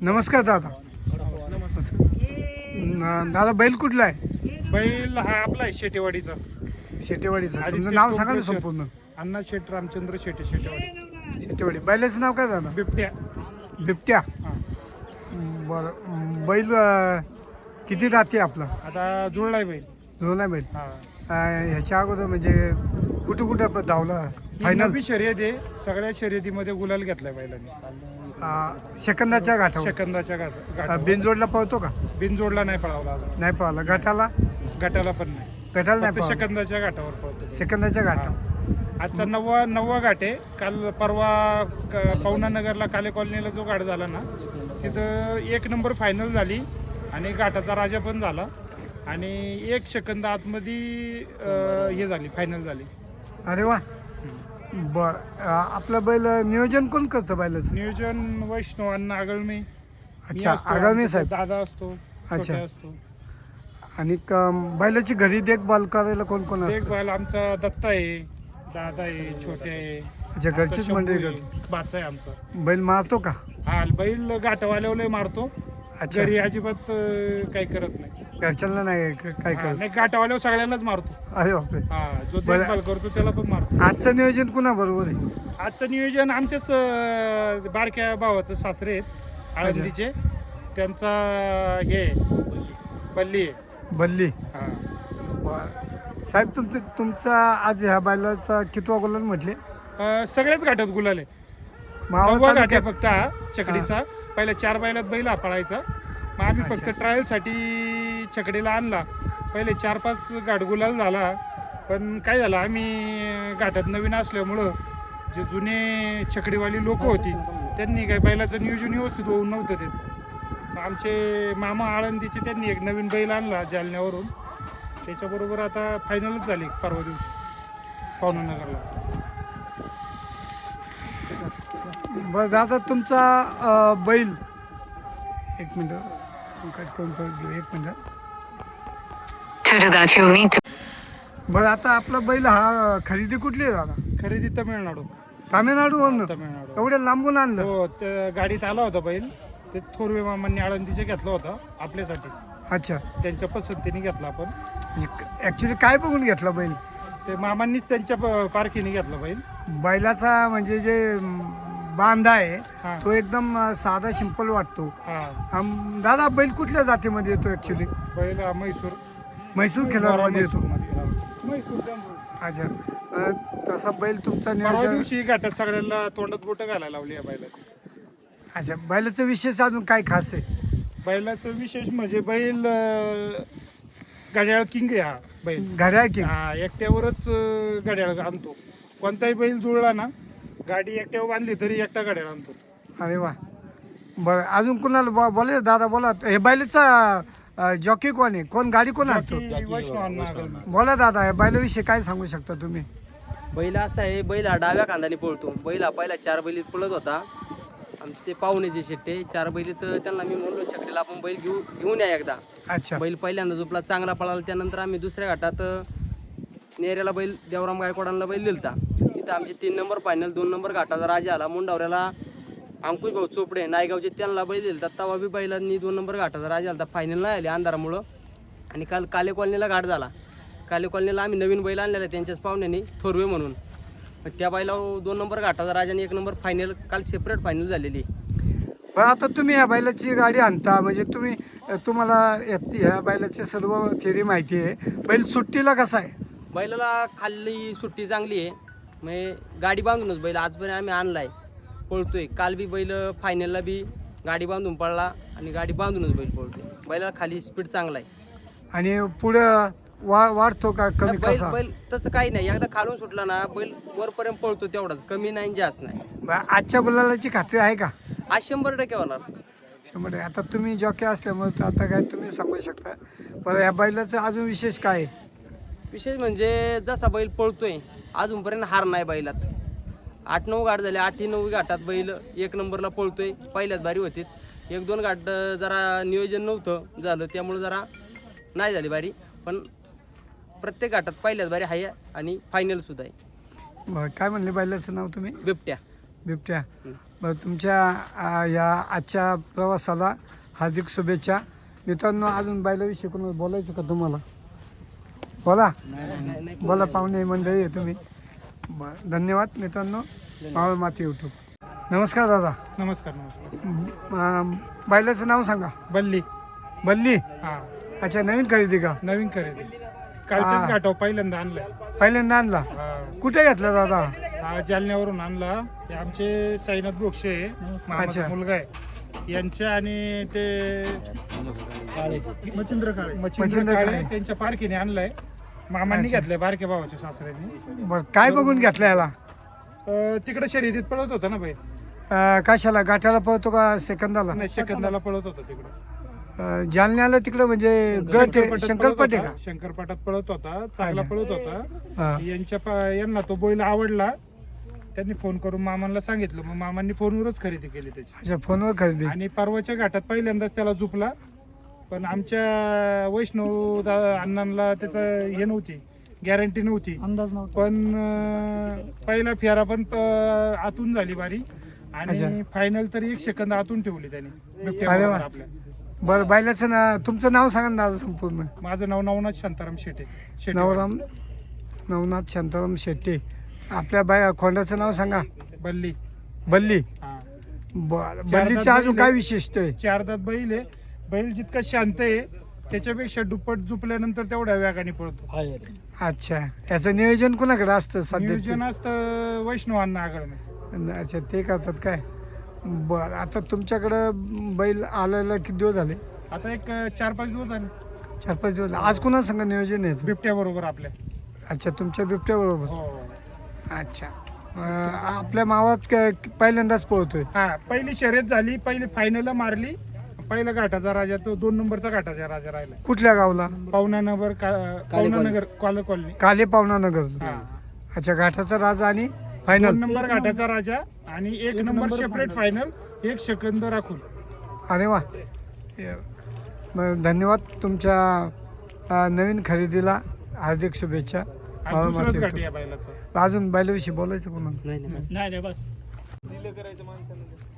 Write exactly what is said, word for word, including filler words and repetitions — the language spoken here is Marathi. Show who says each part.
Speaker 1: नमस्कार दादा. न- दादा बैल कुठला आहे?
Speaker 2: बैल हा आपला आहे शेटेवाडीचा.
Speaker 1: शेटेवाडीचं.
Speaker 2: आदित्य
Speaker 1: तुमचं नाव सांगा ना
Speaker 2: टोपरेश्वर.
Speaker 1: संपूर्ण.
Speaker 2: अण्णा शेट रामचंद्र शेटे शेटेवाडी.
Speaker 1: शेटेवाडी. बैलाचं नाव काय दादा?
Speaker 2: बिबट्या.
Speaker 1: बिबट्या.
Speaker 2: हा.
Speaker 1: बरं. बैल अं, किती राहते आपला?
Speaker 2: आता जुळलाय बैल.
Speaker 1: जुळला बैल.
Speaker 2: हा
Speaker 1: अं, ह्याच्या अगोदर म्हणजे कुठं कुठं धावला
Speaker 2: फायनल
Speaker 1: फायनल?
Speaker 2: शर्यत आहे. सगळ्या शर्यतीमध्ये गुलाल घेतलाय बैलांनी.
Speaker 1: सेकंदाच्या घाटावर.
Speaker 2: सेकंदाच्या
Speaker 1: अं,
Speaker 2: गाठ
Speaker 1: बिनजोडला पळतो का?
Speaker 2: बिनजोडला नाही पळावला अजून.
Speaker 1: नाही पळाला. घाटाला?
Speaker 2: गटाला पण नाही.
Speaker 1: घाटाला नाही
Speaker 2: फक्त
Speaker 1: पळाला.
Speaker 2: सेकंदाच्या घाटावर पळतो.
Speaker 1: सेकंदाच्या घाटावर.
Speaker 2: हा. आजचा नववा नववा घाट आहे. काल परवा क- पवना नगरला काले कॉलनीला जो घाट झाला ना तिथं एक नंबर फायनल झाली आणि घाटाचा राजा पण झाला आणि एक सेकंद आतमध्ये अं, हे झाली फायनल झाली.
Speaker 1: अरे वा. बर. आपलं बैल नियोजन कोण करतं बैलाचं?
Speaker 2: नियोजन वैष्णव अण्णा आगळमी. मी
Speaker 1: अच्छा,
Speaker 2: असतो,
Speaker 1: आगळमी
Speaker 2: आमचा
Speaker 1: साहेब.
Speaker 2: दादा असतो.
Speaker 1: अच्छा.
Speaker 2: छोट्या असतो.
Speaker 1: आणि क- बैलाची घरी देखभाल करायला कोण कोण असतं?
Speaker 2: देखभाल आमचा दत्ता आहे, दादा आहे, छोटे आहे.
Speaker 1: अच्छा, घरचीच
Speaker 2: आमचा
Speaker 1: मंडळी
Speaker 2: शंभू
Speaker 1: करते.
Speaker 2: आहे, बाचा आहे आमचा.
Speaker 1: बैल मारतो का?
Speaker 2: हा बैल घाटवाल्याला मारतो.
Speaker 1: अच्छा.
Speaker 2: घरी अजिबात अं, काही करत नाही.
Speaker 1: घरच्यांना नाही क- काय
Speaker 2: हा,
Speaker 1: करत?
Speaker 2: नाही घाटावाल्यावर सगळ्यांनाच मारतो.
Speaker 1: अरे बापरे.
Speaker 2: हा जो
Speaker 1: बरं.
Speaker 2: देखभाल करतो त्याला पण मारतो.
Speaker 1: आजचं नियोजन कुणा बरोबर आहे?
Speaker 2: आजचं नियोजन आमच्याच अं, बारक्या भावाचं सासरे आहेत आळंदीचे. त्यांचा हे बल्ली आहे.
Speaker 1: बल्ली.
Speaker 2: हा
Speaker 1: बर. साहेब तुम तुमचा आज ह्या बैलाचा कितवा गोलन म्हटले?
Speaker 2: अं, सगळ्याच घाटात गुलाल आहे.
Speaker 1: मावळ
Speaker 2: नववा घाट आहे
Speaker 1: तालुक्यात?
Speaker 2: फक्त हा चकडीचा. पहिल्या चार बैलात बैल हा पळायचा. मग आम्ही फक्त
Speaker 1: अच्छा.
Speaker 2: ट्रायलसाठी चकडीला आणला. पहिले चार पाच घाट गुलाल झाला. पण काय झालं आम्ही घाटात नवीन असल्यामुळं जे जुने चकडीवाली लोक होती त्यांनी काय बैलाचं नियोजन व्यवस्थित होऊन नव्हतं ते. मग आमचे मामा आळंदीचे त्यांनी एक नवीन बैल आणला जालन्यावरून. त्याच्याबरोबर आता फायनलच झाली परवा दिवशी पवनानगरला.
Speaker 1: बरं दादा तुमचा अं, बैल एक मिनटं कट करून परत घेऊ. एक मिनटं.
Speaker 3: To do that, you'll need to.
Speaker 1: बरं आता आपला बैल हा खरेदी कुठली आहे दादा?
Speaker 2: खरेदी तमिळनाडू.
Speaker 1: तामिळनाडूवरून?
Speaker 2: तमिळनाडू.
Speaker 1: एवढ्या लांबून आणलं?
Speaker 2: हो त्या गाडीत आला होता बैल. ते थोरवे मामांनी आळंदीचे घेतला होता आपल्यासाठीच.
Speaker 1: अच्छा.
Speaker 2: त्यांच्या पसंतीने घेतला आपण.
Speaker 1: ऍक्च्युली काय बघून घेतला बैल?
Speaker 2: ते मामांनीच त्यांच्या प- पारखीने घेतला बैल.
Speaker 1: बैलाचा म्हणजे जे अं, बांधा आहे
Speaker 2: हा.
Speaker 1: तो एकदम अं, साधा सिंपल वाटतो.
Speaker 2: हा
Speaker 1: अं, दादा बैल कुठल्या जातीमध्ये येतो ऍक्च्युली?
Speaker 2: बैल हा म्हैसूर
Speaker 1: म्हैसूर खेळामध्ये येतो.
Speaker 2: म्हैसूरमध्ये, हा. म्हैसूर त्यामुळे.
Speaker 1: अच्छा. अं, तसा बैल तुमचा
Speaker 2: परवा
Speaker 1: नियोजन.
Speaker 2: दिवशी घाटात सगळ्यांना तोंडात बोटं घालायला लावली या बैलाची.
Speaker 1: अच्छा. बैलाचं विशेष अजून काय खास आहे?
Speaker 2: बैलाचं विशेष म्हणजे बैल अं, घड्याळ किंग आहे हा बैल.
Speaker 1: घड्याळ की?
Speaker 2: हा एकट्यावरच अं, घड्याळ आणतो. कोणताही बैल जुळला ना गाडी एकट्यावर बांधली तरी एकटा घड्याळ आणतो.
Speaker 1: अरे वा. बरं अजून कोणाला बो- बोला दादा बोला. हे बैलाचा जॉकी कोण आहे? कोण गाडी कोण आणतो?
Speaker 2: बाकी वैष्णव अण्णा आगळमी.
Speaker 1: बोला दादा या बैलाविषयी काय सांगू शकता तुम्ही?
Speaker 4: बैल असा आहे, बैल हा डाव्या खांदाने पळतो. बैल हा पहिला चार बैलीत पळत होता. आमचे ते पाहुणे जे शेट्टे चार बैलीत त्यांना मी म्हणलो छकडीला आपण बैल घेऊ घेऊन या एकदा.
Speaker 1: अच्छा.
Speaker 4: बैल पहिल्यांदा झोपला चांगला पळाला. त्यानंतर आम्ही दुसऱ्या घाटात नेऱ्याला बैल देवराम गायकवाडांना बैल दिलता. तिथं आमचे तीन नंबर फायनल, दोन नंबर घाटाचा राजा आला. मुंडावऱ्याला अंकुश भाऊ चोपडे नायगावचे त्यांना बैल दिलता. तवा बी बैलांनी दोन नंबर घाटाचा राजा आला. फायनल नाही आले अंधारामुळं. आणि काल काले कॉलनीला घाट झाला. काले कॉलनीला आम्ही नवीन बैल आणलेला त्यांच्याच पाहुण्याने थोरवे म्हणून. मग त्या बैला दोन नंबर घाटाचा राजा आणि एक नंबर फायनल काल सेपरेट फायनल झालेली.
Speaker 1: बरं आता तुम्ही ह्या बैलाची गाडी आणता म्हणजे तुम्ही तुम्हाला या- ह्या बैलाची सर्व थिअरी माहिती आहे. बैल सुट्टीला कसा आहे?
Speaker 4: बैलाला खाल्ली सुट्टी चांगली आहे. म्हणजे गाडी बांधूनच बैल आजपर्यंत आम्ही आणलाय पळतोय. काल बी बैल फायनलला बी गाडी बांधून पळला आणि गाडी बांधूनच बैल पळतोय. बैलाला खाली स्पीड चांगला आहे.
Speaker 1: आणि पुढं वा वाढतो का कमी
Speaker 4: बैल
Speaker 1: कसा?
Speaker 4: बैल तसं काही नाही. एकदा खालून सुटला ना बैल वरपर्यंत पळतो तेवढाच, कमी नाही जास्त नाही.
Speaker 1: बरं, आजच्या गुलालाची खात्री आहे का?
Speaker 4: आज शंभर टक्के होणार.
Speaker 1: शंभर टक्के. आता तुम्ही जॉकी असल्यामुळे तर आता काय तुम्ही सांगू शकता. बरं ह्या बैलाचं अजून विशेष काय आहे?
Speaker 4: विशेष म्हणजे जसा बैल पळतोय अजूनपर्यंत हार नाही बैलात. आठ नऊ घाट झाले. आठही नऊ घाटात बैल एक नंबरला पळतोय. पहिल्याच बारी होती. एक दोन घाट जरा नियोजन नव्हतं झालं त्यामुळे जरा नाही झाली बारी. पण प्रत्येक घाटात पहिल्याच बारी आहे आणि फायनल सुद्धा आहे.
Speaker 1: बरं काय म्हणले बैलाचं नाव तुम्ही?
Speaker 4: बिबट्या.
Speaker 1: बिबट्या. बरं तुमच्या आ, या आजच्या प्रवासाला हार्दिक शुभेच्छा. मित्रांनो अजून बैलाविषयी कोणाला बोलायचं का तुम्हाला? बोला बोला पाहुणे मंडळी आहे तुम्ही. बरं धन्यवाद मित्रांनो. मावळ माती यूट्यूब. नमस्कार दादा.
Speaker 2: नमस्कार नमस्कार.
Speaker 1: अं, बैलाचं नाव सांगा.
Speaker 2: बल्ली.
Speaker 1: बल्ली.
Speaker 2: हा
Speaker 1: अच्छा नवीन खरेदी का?
Speaker 2: नवीन खरेदी
Speaker 1: हा.
Speaker 2: कालच्याच घाटावर पहिल्यांदा आणलाय.
Speaker 1: पहिल्यांदा आणला.
Speaker 2: हा.
Speaker 1: कुठे घेतला दादा?
Speaker 2: हा जालन्यावरून आणला. हे आमचे साईनाथ बोक्षे मामाचा
Speaker 1: अच्छा.
Speaker 2: मुलगा आहे यांच्या आणि ते मच्छिंद्र काळे मच्छिंद्र
Speaker 1: मच्छिंद्र
Speaker 2: काळे
Speaker 1: काळे.
Speaker 2: त्यांच्या पारखीने आणलाय. मामांनी
Speaker 1: अच्छा.
Speaker 2: घेतलाय बारक्या भावाच्या सासऱ्यांनी.
Speaker 1: बरं काय बघून घेतला याला?
Speaker 2: अं, तिकडे शर्यतीत पळत होता ना बाई.
Speaker 1: अं, कशाला गाठाला पळतो का सेकंदाला?
Speaker 2: नाही सेकंदाला पळत होता तिकडे.
Speaker 1: अं, जालन्याला तिकडं म्हणजे गट आहे,
Speaker 2: शंकरपटात
Speaker 1: शंकरपट
Speaker 2: पळत
Speaker 1: आहे
Speaker 2: होता. शंकरपटात पळत होता चांगला
Speaker 1: अच्छा.
Speaker 2: पळत होता.
Speaker 1: का? हा.
Speaker 2: यांच्या पा- यांना तो बैल आवडला. त्यांनी फोन करून मामांना सांगितलं मग मामांनी फोनवरच खरेदी केली त्याची.
Speaker 1: अच्छा फोनवर खरेदी.
Speaker 2: आणि परवाच्या घाटात पहिल्यांदाच त्याला झुपला. पण आमच्या वैष्णव दा- अण्णांना त्याचं हे नव्हती गॅरंटी नव्हती अंदाज नव्हता. पण अं, पहिला फेरा पण अं, आतून झाली बारी आणि
Speaker 1: अच्छा.
Speaker 2: फायनल तरी एक सेकंद आतून ठेवली त्यांनी बिबट्या
Speaker 1: अरे वा.
Speaker 2: बरोबर आपल्या.
Speaker 1: बरं बैलाचं ना तुमचं नाव सांगा ना दादा संपूर्ण.
Speaker 2: माझं नाव नवनाथ शांताराम शेटे. शेटे.
Speaker 1: नवराम नवनाथ शांताराम शेट्टी. आपल्या बाय खोंडाचं नाव सांगा.
Speaker 2: बल्ली.
Speaker 1: बल्ली.
Speaker 2: हा.
Speaker 1: बरं
Speaker 2: चार
Speaker 1: बल्लीचं
Speaker 2: दात
Speaker 1: अजून
Speaker 2: बैल
Speaker 1: काय
Speaker 2: आहे.
Speaker 1: विशिष्ट आहे?
Speaker 2: चार दात बैल आहे. बैल जितका शांत आहे त्याच्यापेक्षा दुप्पट झुपल्यानंतर तेवढ्या वेगाने पळतो.
Speaker 1: अच्छा याचं नियोजन कोणाकडे असतं सध्या?
Speaker 2: नियोजन असतं वैष्णवांना आगळ.
Speaker 1: अच्छा ते करतात काय? बरं आता तुमच्याकडं बैल आलेला किती दिवस झाले?
Speaker 2: आता एक चार पाच दिवस झाले
Speaker 1: चार पाच दिवस. आज कुणा संग नियोजन आहे याचं?
Speaker 2: बिबट्या बरोबर आपल्या.
Speaker 1: अच्छा तुमच्या बिबट्या बरोबर.
Speaker 2: हो.
Speaker 1: अच्छा अं, आपल्या मावात क- पहिल्यांदाच पोहतोय.
Speaker 2: हा पहिली शर्यत झाली. पहिली फायनल मारली. पहिला घाटाचा राजा तो दोन नंबरचा घाटाचा राजा राहिला.
Speaker 1: कुठल्या गावला?
Speaker 2: Pavana Nagar Pavana Nagar collar colony.
Speaker 1: काले पावना नगर.
Speaker 2: हा.
Speaker 1: अच्छा घाटाचा राजा आणि
Speaker 2: दोन
Speaker 1: फायनल.
Speaker 2: नंबर घाटाचा राजा आणि एक नंबर सेपरेट फायनल एक सेकंद राखून.
Speaker 1: अरे वा. मग धन्यवाद तुमच्या अं, नवीन खरेदीला हार्दिक शुभेच्छा.
Speaker 2: आणि दुसरंच घाट या बैलाचं.
Speaker 1: अजून बैलाविषयी बोलायचं कोणाला?
Speaker 4: नाही नाही
Speaker 2: नाही नाही बस. दिलं करायचं माणसाला.